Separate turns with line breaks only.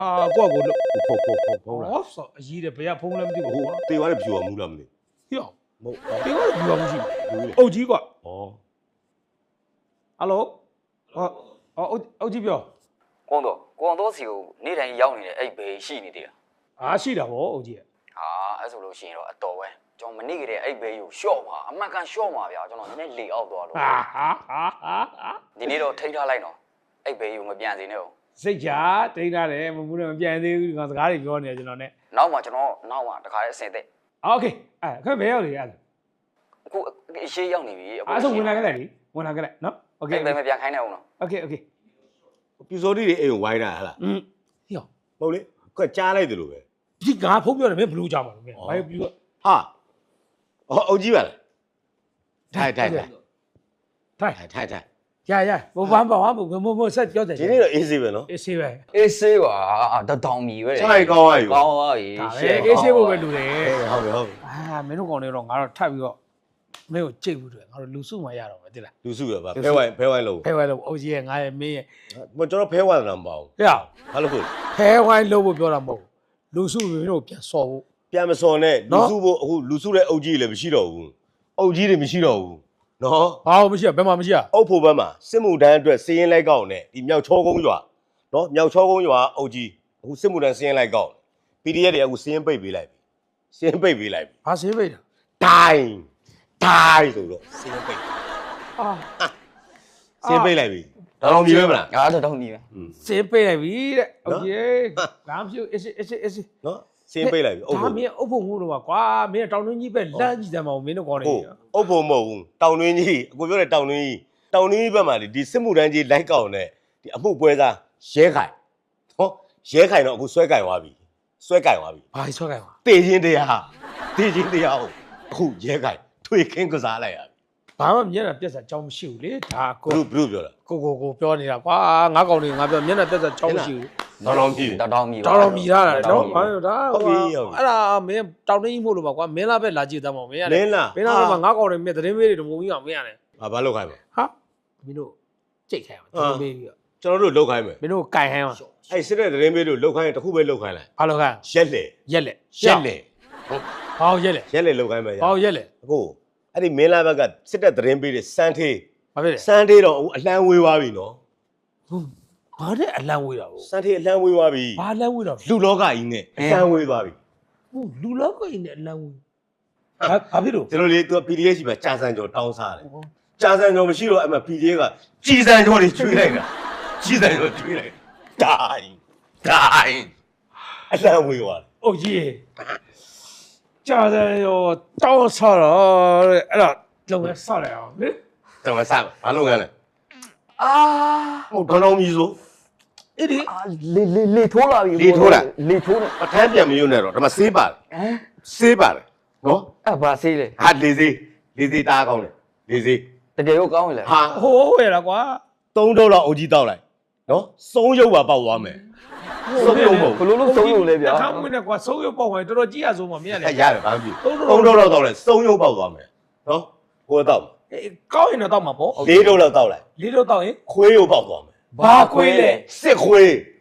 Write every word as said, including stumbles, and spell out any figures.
ဟာကိုကကိုလို့
ဖုံဖုံဖုံဖုံလာ
ဟောဆောအကြီးတယ်ဘယ်ကဖုံးလဲမသိဘူး
ဟို
ကွာ
တေသွားတဲ့ဖြူအောင်မူးလားမသိ
ဟေ့
မဟုတ်
တေကတော့ပြူအောင်ရှိ
ဘူးလေ
အုတ်ကြီးကွာ
ဩ
ဟယ်လိုဟောအုတ်အုတ်ကြီးပြော
ကွန်တော့ကွန်တော့စီကိုနေ့တိုင်းရောက်နေတဲ့အဲ့ဘေးရှိနေသေးတာ
အားရှိတာဗောအုတ်ကြီး
ဟာအဲ့ဆိုလို့ရှိရင်တော့အတော်ပဲကျွန်တော်မနေ့ကတည်းကအဲ့ဘေးကိုရှော့ပါအမှန်ကန်ရှော့ပါဗျာကျွန်တော်နည်းနည်းလေအောက်သွားလို့
ဟာဟာဟာဟာ
ဒီနေ့တော့ထိထားလိုက်တော့အဲ့ဘေးကိုမပြန်စေနဲ့ဟုတ်
စိတ်ချတိတ်ထားတယ်မမူးနဲ့မပြန်သေးဘူးဒီကောင်စကားတွေပြောနေတယ်ကျွန်တော်နဲ့
နောက်မှကျွန်တော်နောက်မှတခါလေးအစင်သက်
โอเคအဲ့ခက်ဘယ်ရောက်လေအဲ့
အခုအရှိရောက်နေပြီ
အဲ့ဆိုဝင်လာခဲ့လိုက်လေဝင်လာခဲ့လိုက်နော်โอเค
အဲ့ဘေးမပြန်ခိုင်းနဲ့ဦးနော်
โอเคโอเค
ပြူစောတိတွေအိမ်ကိုဝိုင်းတာဟလား
อืมဟေ့
ဟုတ်လေခွက်ကြားလိုက်တယ်လို့ပဲ
ဒီငါဖုံးပြောတယ်မင်းဘလူးကြမှာလို့မင်းဘာပြူတော့
ဟာဟောအုတ်ကြီးပါလားထိုင်ထိုင်ထိုင်
ထိုင်
ထိုင်ထိုင်ထိုင်
ရရဘောဘာဘာဘာမမဆက်ပြောတယ်
ဒီနေ့တော့အေးစေးပဲနော်
အေးဆေးပဲ
အေးဆေးပါတတောင်မီပဲ
ခြိုက်ကောင်းရယူ
ကောင်းပါပြီ
ဒါပဲအေးဆေးဖို့ပဲလူတယ်
ဟုတ်ပြီဟုတ်ပြီ
အာမင်းတို့ကောင်တွေတော့ငါတော့ထပ်ပြီးတော့မင်းကိုကြိတ်ဘူးတယ်ငါတို့လူစုမှရတော့မယ်တိလား
လူစုရပါဖဲဝိုင်းဖဲဝိုင်းလို့
ဖဲဝိုင်းလို့အုတ်ကြီးရဲ့ငါရဲ့မင်းရဲ့
မကျွန်တော်ဖဲဝိုင်းတာမပေါ့
ဟဲ့
ဘာလို့ဖို့
ဖဲဝိုင်းလို့ပြောတာမဟုတ်လူစုမင်းတို့ပြန်စော်ဖို့
ပြန်မစော်နဲ့လူစုဖို့အခုလူစုတဲ့အုတ်ကြီးလည်းမရှိတော့ဘူးအုတ်ကြီးတွေမရှိတော့ဘူးနော်
ဘာလို့မရှိရဘယ်မှာမရှိရ
အုတ်ဖို့ဘက်မှာစစ်မှုတန်းအတွက်စီးရင်လိုက်ကောက်နဲ့ဒီမြောက်ချောကုန်းရွာနော်မြောက်ချောကုန်းရွာအုတ်ကြီးအခုစစ်မှုတန်းစီးရင်လိုက်ကောက် ပီ ဒီ အက်ဖ် တွေအခုစီးရင်ပိတ်ပေးလိုက်ပြီစီးရင်ပိတ်ပေးလိုက်ပြီ
ဘာဆေးပိတ်တာ
ဒိုင်းဒိုင်းဆိုတော့စီးရင်ပိတ်
အာ
စီးရင်ပိတ်လိုက်ပြီဒါတော့မြည်ပဲမလား
အားတတောင်မီပဲ
ဆေးပိတ်လိုက်ပြီတဲ့โอเคဘာမှမဖြစ်အေးအေးအေးအေး
နော်စီးရင်ပိတ်လိုက်ပြီအုတ်
ဒါ
ဖို့
မင်းအုပ်ဖို့ငို့တော့ကွာမင်းတောင်တွင်းကြီးပဲလမ်းကြည့်တယ်မဟုတ်မင်းတို့ကောင်းနေ
ဟုတ်အုတ်ဖို့မဟုတ်ဘူးတောင်တွင်းကြီးအကိုပြောတဲ့တောင်တွင်းကြီးတောင်တွင်းကြီးဘက်မှာဒီစစ်မှုတန်းကြီးလိုက်ကောက်နဲ့ဒီအမှုပွဲစားရဲခိုင်ဟောရဲခိုင်တော့အခုဆွဲကင်သွားပြီဆွဲကင်သွားပြီ
ဘာဆွဲကြပါ
တေချင်းတရားတေချင်းတရားကိုအခုရဲခိုင်ထွေခင်းကစားလိုက်ရပြီ
ဘာမှမျက်နှာပြက်စာကြောင်းမရှိဘူးလေဒါ
ဘ
ကို
လို့ဘလို့ပြောတာ
ကိုကိုကိုပြောနေတာကွာငါကောင်တွေငါပြောမျက်နှာပြက်စာကြောင်းမရှိဘူး
တော်တော်ပြီ
တတောင်မီ
တော်တော်မြည်ထားတာနော်ဘာလို့ဒါ
ဟုတ်ပြီဟုတ်ပြီ
အဲ့ဒါမင်းတောင်တင်းကြီးမို့လို့ပါကွာမင်းလာပဲလာကြည့်သားမောင်မင်းရတယ်
လင်းလား
မင်းလာပဲငါကောင်တွေမြက်သတင်းမေးတွေတမုံကြီးအောင်မင်းရတယ်
ဘာဘာလောက်ခိုင်းမလဲ
ဟာမင်းတို့ကြိတ်ခိုင်းအောင်သတင်းမေးပြီးတော့
ကျွန်တော်တို့လောက်ခိုင်းမယ်
မင်းတို့ကင်ဟမ်းအောင်
အဲ့စစ်တဲ့သတင်းပေးလို့လောက်ခိုင်းရင်တစ်ခုပဲလောက်ခိုင်းလိုက်
ဘာလို့ခိုင်း
ရက်လေ
ရက်လက်
ရက်လေ
ဘာလို့ရက်လက်
ရက်လေလောက်ခိုင်းမယ်ရ
ဘာလို့ရက်လက်
အခုအဲ့ဒီမင်းလာဘက်ကစစ်တဲ့သတင်းပေးတဲ့စမ်းသေး
ဘာဖြစ်လဲ
စမ်းသေးတော့အခုအလံဝေးသွားပြီနော်
ဟုတ်ဘာတဲ့အလံဝေးတာကို
စမ်းသေးအလံဝေးသွားပြီ
ဘာအလံဝေးတာ
လူလောကကြီးနဲ့အလံဝေးသွားပြီ
ဟုတ်လူလောက်ကိုင်းနဲ့အလံဝေးဘာဘာဖြစ်လို့
ကျွန်တော်လေသူက ပီ ဒီ အက်ဖ် ရှိမှာကြာစံကျော်တောင်းစားတယ်ကြာစံကျော်မရှိတော့အဲ့မှာ ပီ ဒီ အက်ဖ် ကကြီးစံကျော်တွေကျွေးလိုက်တာကြီးစံကျော်ကျွေးလိုက်ဒိုင်းဒိုင်းအလံဝေးသွားတယ်
အိုကြီးကြာတယ်ရောတောင်းဆော်တော့တဲ့အဲ့တော့လုံရဆော်လိုက်အောင်လေ
တော်မဆမ်းဘာလုပ်ငန်းလဲ
အာ
ဟုတ်တော်တော်ကြီးဆို
အဲ့ဒီ
လေလေလေထိုးလာပြီ
လေထိုးတာ
လေထိုးနေ
ပထမ်းပြန်မယုံနဲ့တော့ဒါမှဆေးပါတယ်
ဟမ်
ဆေးပါတယ်နော်
အဲ့ဘာဆေးလဲ
ဟာလေစေးလေစေးတားကောင်းတယ်လေစေး
တကယ်ရောကောင်းလေ
ဟာ
ဟိုးရလားကွာ
သုံးတော့လောက်အုပ်ကြီးတောက်လိုက်နော်စုံးရုပ်ပါပေါက်သွားမယ်စုံးရုပ်မဟုတ်
ဘလို့လို့သုံးလို့လဲဗျာ
ခါမွေးနဲ့ကွာဆုံးရုပ်ပေါ့ဝင်တော်တော်ကြီးရဆုံးပါမင်းက
အဲ
လေ
ရတယ်ဘာမှမဖြစ်သုံးတော့လောက်တောက်လိုက်စုံးရုပ်ပေါက်သွားမယ်နော်ကိုယ်တော့
ကောင်းရင်တော့တောက်မှာပေါ့
လေးတော့လောက်တောက်လိုက်
လေးတော့တောက်ရင်
ခွေးရုပ်ပေါက်သွားမယ်
ဘာခွေးလဲ
စစ်ခွေး